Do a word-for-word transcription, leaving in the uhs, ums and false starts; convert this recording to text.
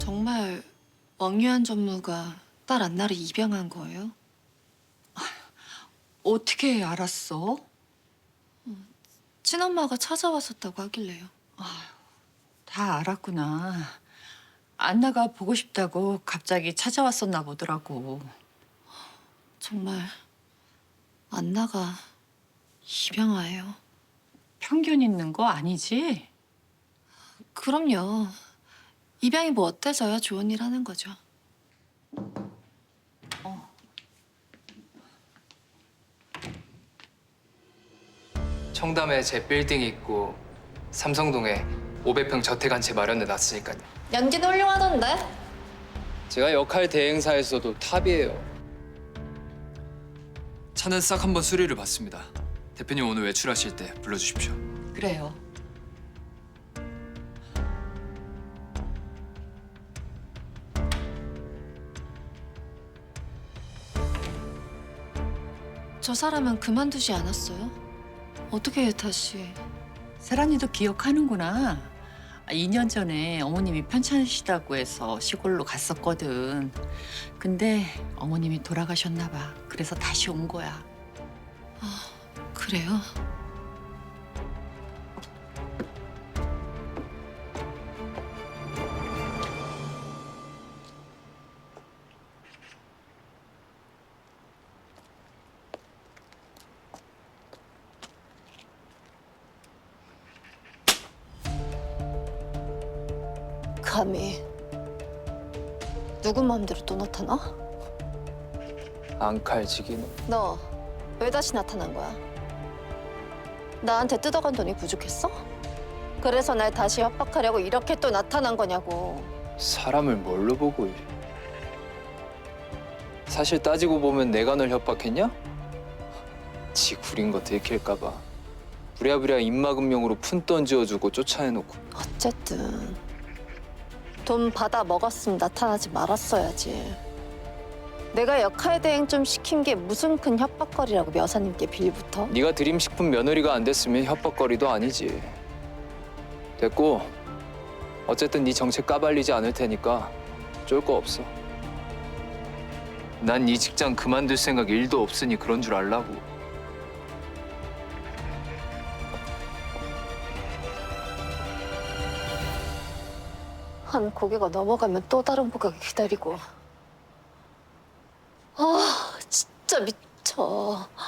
정말 왕유한 전무가 딸 안나를 입양한 거예요? 어떻게 알았어? 친엄마가 찾아왔었다고 하길래요. 다 알았구나. 안나가 보고 싶다고 갑자기 찾아왔었나 보더라고. 정말 안나가 입양아예요. 편견 있는 거 아니지? 그럼요. 입양이 뭐 어때서야 좋은 일 하는 거죠. 청담에 제 빌딩이 있고 삼성동에 오백 평 저택 한 채 마련해 놨으니까요. 연기도 훌륭하던데? 제가 역할 대행사에서도 탑이에요. 차는 싹 한번 수리를 받습니다. 대표님 오늘 외출하실 때 불러주십시오. 그래요. 저 사람은 그만두지 않았어요? 어떻게 다시... 세란이도 기억하는구나. 이 년 전에 어머님이 편찮으시다고 해서 시골로 갔었거든. 근데 어머님이 돌아가셨나 봐. 그래서 다시 온 거야. 그래요? 감히 누구 마음대로 또 나타나? 앙칼지기는 너 왜 다시 나타난 거야? 나한테 뜯어간 돈이 부족했어? 그래서 날 다시 협박하려고 이렇게 또 나타난 거냐고. 사람을 뭘로 보고 이래. 사실 따지고 보면 내가 널 협박했냐? 지 구린 거 들킬까 봐 부랴부랴 입막음용으로 푼돈 지어주고 쫓아내놓고. 어쨌든 돈 받아 먹었으면 나타나지 말았어야지. 내가 역할 대행 좀 시킨 게 무슨 큰 협박거리라고 여사님께 빌붙어? 네가 드림식품 며느리가 안 됐으면 협박거리도 아니지. 됐고 어쨌든 네 정책 까발리지 않을 테니까 쫄 거 없어. 난 이 직장 그만둘 생각 일도 없으니 그런 줄 알라고. 한 고개가 넘어가면 또 다른 고개가 기다리고. 아, 진짜 미쳐.